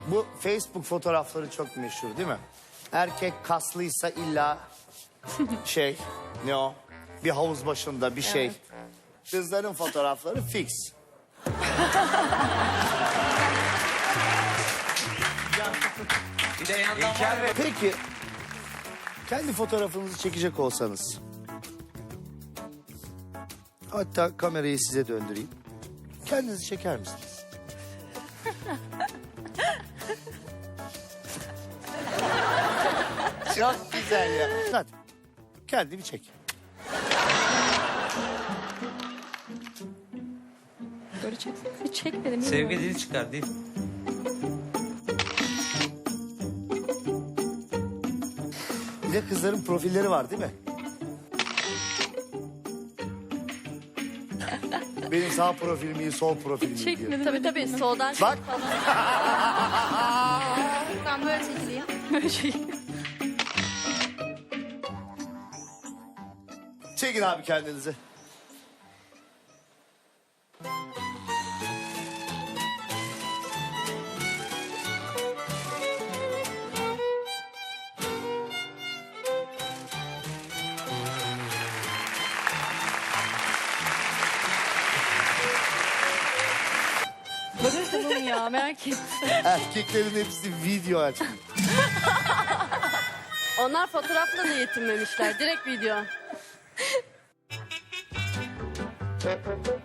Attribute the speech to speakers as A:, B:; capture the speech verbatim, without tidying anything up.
A: Bu Facebook fotoğrafları çok meşhur değil mi? Erkek kaslıysa illa şey ne o? Bir havuz başında bir şey. Kızların fotoğrafları fix.
B: Bir de yandan var.
A: Peki kendi fotoğrafınızı çekecek olsanız. Hatta kamerayı size döndüreyim. Kendinizi çeker misiniz? Çok güzel ya. Hadi kendini çek.
C: Böyle çeksene. Çek dedim.
B: Sevgi dili çıkar değil.
A: Bir de kızların profilleri var değil mi? Benim sağ profilim iyi, sol profilim iyi diyor.
C: Çekmedim.
D: Tabii tabii soldan
A: Bak.
D: Ben böyle çekileyim.
C: Böyle şey.
A: Çekin abi kendinizi.
C: Bakın bunu ya merak ettim.
A: Erkeklerin hepsi video aç.
D: Onlar fotoğrafla da yetinmemişler. Direkt video.